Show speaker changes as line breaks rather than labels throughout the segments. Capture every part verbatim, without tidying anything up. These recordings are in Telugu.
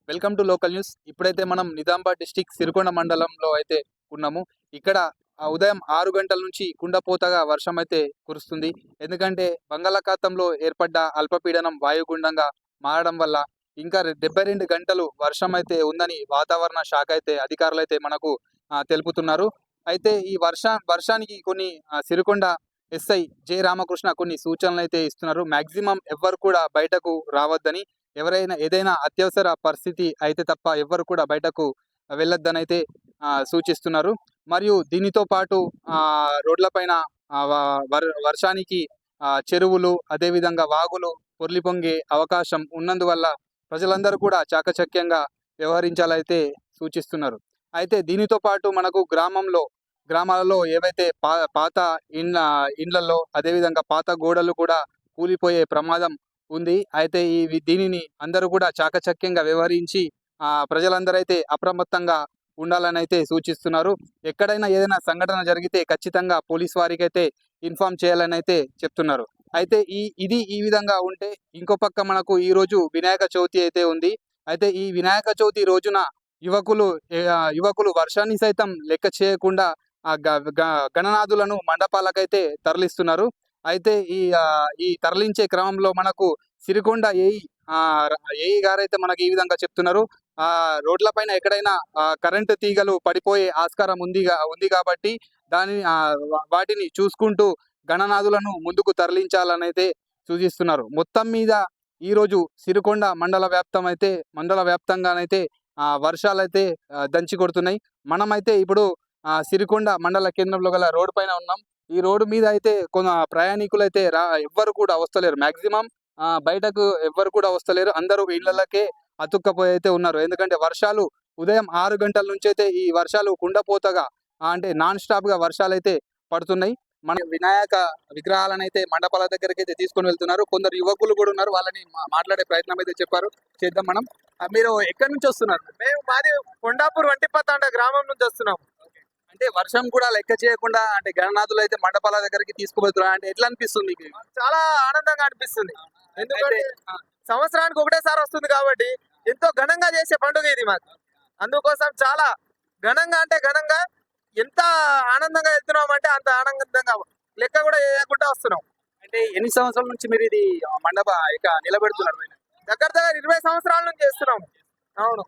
Welcome to local news. ఇప్పుడైతే మనం నిజామాబాద్ డిస్టిక్ సిరికొండ మండలంలో అయితే ఉన్నాము. ఇక్కడ ఆ ఉదయం ఆరు గంటల నుంచి కుండపోతగా వర్షం అయితే కురుస్తుంది. ఎందుకంటే బంగాళాఖాతంలో ఏర్పడ్డ అల్పపీడనం వాయుగుండంగా మారడం వల్ల ఇంకా డెబ్బై రెండు గంటలు వర్షం అయితే ఉందని వాతావరణ శాఖ అయితే అధికారులు అయితే మనకు ఆ, తెలుపుతున్నారు. అయితే ఈ వర్ష వర్షానికి కొన్ని ఆ, సిరికొండ ఎస్ఐ జె రామకృష్ణ కొన్ని సూచనలు అయితే ఇస్తున్నారు. మాక్సిమం ఎవ్వరు కూడా బయటకు రావద్దని, ఎవరైనా ఏదైనా అత్యవసర పరిస్థితి అయితే తప్ప ఎవ్వరు కూడా బయటకు వెళ్ళొద్దని అయితే ఆ, సూచిస్తున్నారు. మరియు దీనితో పాటు ఆ, రోడ్లపైన ఆ, వ- వర్- వర్షానికి ఆ, చెరువులు అదేవిధంగా వాగులు పొర్లి పొంగే అవకాశం ఉన్నందువల్ల ప్రజలందరూ కూడా చాకచక్యంగా వ్యవహరించాలైతే సూచిస్తున్నారు. అయితే దీనితో పాటు మనకు గ్రామంలో గ్రామాలలో ఏవైతే పా పాత ఇండ్ల ఇండ్లలో అదేవిధంగా పాత గోడలు కూడా కూలిపోయే ప్రమాదం ఉంది. అయితే ఈ వి- దీనిని అందరూ కూడా చాకచక్యంగా వ్యవహరించి ఆ ప్రజలందరూ అయితే అప్రమత్తంగా ఉండాలని అయితే సూచిస్తున్నారు. ఎక్కడైనా ఏదైనా సంఘటన జరిగితే ఖచ్చితంగా పోలీస్ వారికి అయితే ఇన్ఫార్మ్ చేయాలని అయితే చెప్తున్నారు. అయితే ఈ ఇది ఈ విధంగా ఉంటే ఇంకో పక్క మనకు ఈ రోజు వినాయక చవితి అయితే ఉంది. అయితే ఈ వినాయక చవితి రోజున యువకులు ఏ, ఆ, యువకులు వర్షాన్ని సైతం లెక్క చేయకుండా ఆ గ- గ- గణనాథులను మండపాలకైతే తరలిస్తున్నారు. అయితే ఈ ఆ, ఈ తరలించే క్రమంలో మనకు సిరికొండ ఏఈ ఆ ర- ఏఈ గారైతే మనకి ఈ విధంగా చెప్తున్నారు. ఆ రోడ్లపైన ఎక్కడైనా ఆ, కరెంటు తీగలు పడిపోయే ఆస్కారం ఉంది గా- ఉంది కాబట్టి దాని ఆ, వా- వాటిని చూసుకుంటూ గణనాథులను ముందుకు తరలించాలని అయితే సూచిస్తున్నారు. మొత్తం మీద ఈ రోజు సిరికొండ మండల వ్యాప్తం అయితే మండల వ్యాప్తంగానైతే ఆ వర్షాలైతే ఆ, దంచి కొడుతున్నాయి. మనమైతే ఇప్పుడు ఆ సిరికొండ మండల కేంద్రంలో గల రోడ్డు పైన ఉన్నాం. ఈ రోడ్డు మీద అయితే కొంత ప్రయాణికులు అయితే రా ఎవ్వరు కూడా వస్తలేరు. మాక్సిమం ఆ బయటకు ఎవ్వరు కూడా వస్తలేరు. అందరూ ఇళ్లకే అతుక్కపోయి అయితే ఉన్నారు. ఎందుకంటే వర్షాలు ఉదయం ఆరు గంటల నుంచి అయితే ఈ వర్షాలు కుండపోతగా ఆ, అంటే నాన్ స్టాప్ గా వర్షాలు అయితే పడుతున్నాయి. మన వినాయక విగ్రహాలను అయితే మండపాల దగ్గరికి అయితే తీసుకొని వెళ్తున్నారు. కొందరు యువకులు కూడా ఉన్నారు. వాళ్ళని మా- మాట్లాడే ప్రయత్నం అయితే చెప్పారు. చేద్దాం మనం. ఆ, మీరు ఎక్కడి నుంచి వస్తున్నారు?
మేము మాది కొండాపూర్ వంటిపత్తండ గ్రామం నుంచి వస్తున్నాం.
అంటే వర్షం కూడా లెక్క చేయకుండా అంటే గణనాథులు అయితే మండపాల దగ్గరికి తీసుకుపోతున్నారు. అంటే ఎట్లా అనిపిస్తుంది మీకు?
చాలా ఆనందంగా అనిపిస్తుంది. ఎందుకంటే
అయితే, ఆ,
సంవత్సరానికి ఒకటేసారి వస్తుంది కాబట్టి ఎంతో ఘనంగా చేసే పండుగ ఇది మాకు. అందుకోసం చాలా ఘనంగా అంటే ఘనంగా ఎంత ఆనందంగా వెళ్తున్నాం అంటే అంత ఆనందంగా లెక్క కూడా వేయకుండా వస్తున్నాం.
అంటే ఎన్ని సంవత్సరాల నుంచి మీరు ఇది ఆ, మండప ఇక నిలబెడుతున్నారు?
దగ్గర దగ్గర ఇరవై సంవత్సరాల నుంచి చేస్తున్నాం. అవును.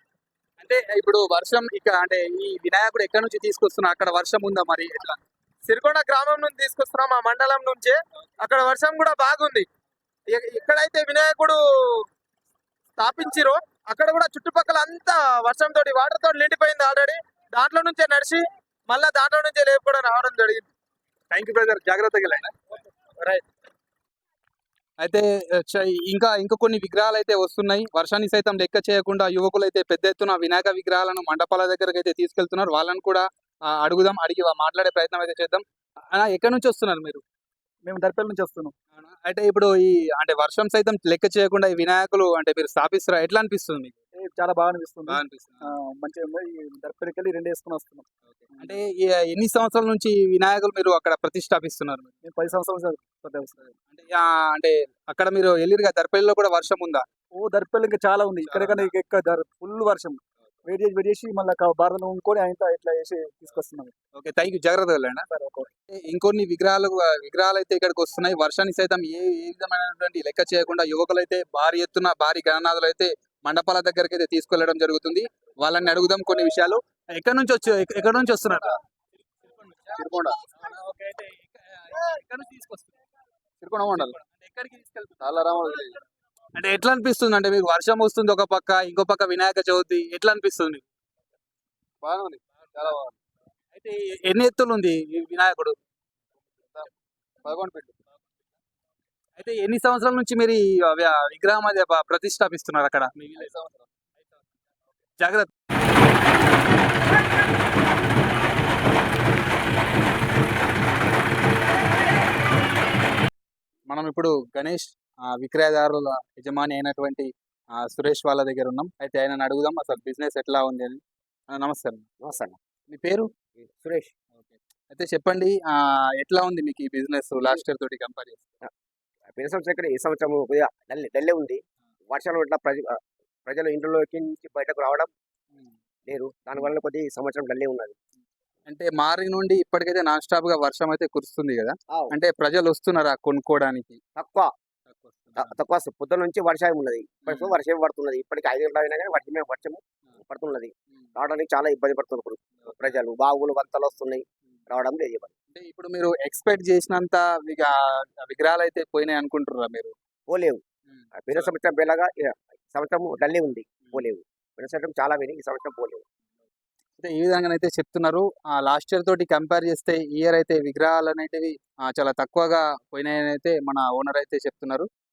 అంటే ఇప్పుడు వర్షం ఇక అంటే ఈ వినాయకుడు ఎక్కడి నుంచి తీసుకొస్తున్నారు? అక్కడ వర్షం ఉందా మరి ఎట్లా?
సిరికొండ గ్రామం నుంచి తీసుకొస్తున్నాం, ఆ మండలం నుంచే. అక్కడ వర్షం కూడా బాగుంది. ఎ- ఎక్కడైతే వినాయకుడు స్థాపించిరో అక్కడ కూడా చుట్టుపక్కల అంతా వర్షం తోటి వాటర్ తోటి నిండిపోయింది ఆల్రెడీ. దాంట్లో నుంచే నడిచి మళ్ళా దాంట్లో నుంచే లేపుకోవడం రావడం జరిగింది.
థ్యాంక్ యూ బ్రదర్, జాగ్రత్తగా వెళ్ళండి.
రైట్.
అయితే ఆ, చ- ఇంకా ఇంకా కొన్ని విగ్రహాలు అయితే వస్తున్నాయి. వర్షాన్ని సైతం లెక్క చేయకుండా యువకులు అయితే పెద్ద ఎత్తున వినాయక విగ్రహాలను మండపాల దగ్గరకు అయితే తీసుకెళ్తున్నారు. వాళ్ళని కూడా ఆ, అడుగుదాం, అడిగి వా- మాట్లాడే ప్రయత్నం అయితే చేద్దాం. అన్న, ఎక్కడి నుంచి వస్తున్నారు మీరు?
మేము దర్పల్ నుంచి వస్తున్నాం.
అవునా? అయితే ఇప్పుడు ఈ అంటే వర్షం సైతం లెక్క చేయకుండా ఈ వినాయకులు అంటే మీరు స్థాపిస్తారా? ఎట్లా అనిపిస్తుంది మీకు?
ఏ చాలా బాగా అనిపిస్తుంది.
బాగా అనిపిస్తుంది.
ఆ, మంచిగా ఉంది. ఈ దర్పల్కి వెళ్ళి రెండు వేసుకుని వస్తున్నాం.
అంటే ఈ ఎన్ని సంవత్సరాల నుంచి ఈ వినాయకులు మీరు అక్కడ ప్రతిష్టాపిస్తున్నారు?
మేము పది సంవత్సరాల నుంచి పడ్డాం సార్.
అంటే ఆ, అంటే అక్కడ మీరు వెళ్ళిరుగా దర్పల్లిలో కూడా వర్షం ఉందా?
ఓ దర్పల్ ఇంకా చాలా ఉంది. ఇక్కడ కన్నా ఇంకా ఎక్కువ ఫుల్ వర్షం. వెయిట్ చేసి వెయిట్ చేసి మళ్ళీ భారతం ఉంకొని ఆయన ఇట్లా వేసి తీసుకొస్తున్నాం
ఓకే, థ్యాంక్ యూ, జాగ్రత్త వెళ్ళండి.
సార్. ఒక
ఇంకొన్ని విగ్రహాలు విగ్రహాలు అయితే ఇక్కడికి వస్తున్నాయి. వర్షాన్ని సైతం ఏ ఏ విధమైనటువంటి లెక్క చేయకుండా యువకులు అయితే భారీ ఎత్తున భారీ గణనాథులు అయితే మండపాల దగ్గరికి అయితే తీసుకెళ్లడం జరుగుతుంది. వాళ్ళని అడుగుదాం కొన్ని విషయాలు. ఎక్కడి నుంచి వచ్చి ఎక్క- ఎక్కడి నుంచి వస్తున్నారు?
సిరికొండ
ఓకే, అయితే ఎక్క- ఎక్కడి నుంచి తీసుకొస్తున్నారు?
సిరికొండ మండలం
అంటే ఎక్కడికి తీసుకెళ్తున్నారు?
నల్లరామ విలేజ్.
అంటే ఎట్లా అనిపిస్తుంది? అంటే మీకు వర్షం వస్తుంది ఒక పక్క, ఇంకో పక్క వినాయక చవితి, ఎట్లా అనిపిస్తుంది?
బాగా ఉంది. చాలా బాగుంది.
అయితే ఎన్ని ఎత్తులు ఉంది ఈ వినాయకుడు?
పదకొండు ఫీట్లు.
అయితే ఎన్ని సంవత్సరాల నుంచి మీరు ఈ వ- విగ్రహం అది ప- ప్రతిష్టాపిస్తున్నారు అక్కడ మీ village లో? జాగ్రత్త. మనం ఇప్పుడు గణేష్ ఆ, విక్రయదారుల యజమాని అయినటువంటి ఆ, సురేష్ వాళ్ళ దగ్గర ఉన్నాం. అయితే ఆయన అడుగుదాం అసలు బిజినెస్ ఎట్లా ఉంది అని. ఆ, నమస్తే అన్న.
నమస్తే అన్న.
మీ పేరు?
సురేష్.
ఓకే. అయితే చెప్పండి, ఆ, ఎట్లా ఉంది మీకు ఈ బిజినెస్ లాస్ట్ ఇయర్ తోటి కంపేర్ చేస్తే?
పోయిన సంవత్సరం ఇక్కడ ఈ సంవత్సరం కొద్దిగా డల్లే డల్లే ఉంది. వర్షాలు ఇట్లా ప్రతి ప్రజలు ఇంట్లోకి నుంచి బయటకు రావడం లేరు. దానివల్ల కొద్ది ఈ సంవత్సరం డల్లే ఉన్నది.
అంటే మార్నింగ్ నుండి ఇప్పటికైతే నాన్ స్టాప్ గా వర్షం అయితే కురుస్తుంది కదా,
ఆవ్.
అంటే ప్రజలు వస్తున్నారా కొనుక్కోవడానికి?
తక్కువ త- తక్కువ స- పొద్దున నుంచి వర్షం ఉన్నది. ఇప్పటికి
మ్మ్.
వర్షం పడుతున్నది. ఇప్పటికి ఐదు గంటల అయినా కానీ వర్షమే వర్షం పడుతున్నది. రావడానికి చాలా ఇబ్బంది పడుతున్నారు ప్రజలు. బావులు వంతలు వస్తున్నాయి, రావడం లేదు ఇబ్బంది.
అంటే ఇప్పుడు మీరు ఎక్స్పెక్ట్ చేసినంత విగా విగ్రహాలు అయితే పోయినాయి అనుకుంటున్నారా మీరు?
పోలేవు. పోయిన సంవత్సరం బేలగా ఈ సంవత్సరం డల్లే ఉంది, పోలేవు. పోయిన సంవత్సరం చాలా పోయినాయి, ఈ సంవత్సరం పోలేవు.
అయితే ఈ విధంగా అయితే చెప్తున్నారు. లాస్ట్ ఇయర్ తోటి కంపేర్ చేస్తే ఈ ఇయర్ అయితే విగ్రహాలు అనేటివి ఆ, చాలా తక్కువగా పోయినాయని అయితే మన ఓనర్ అయితే చెప్తున్నారు.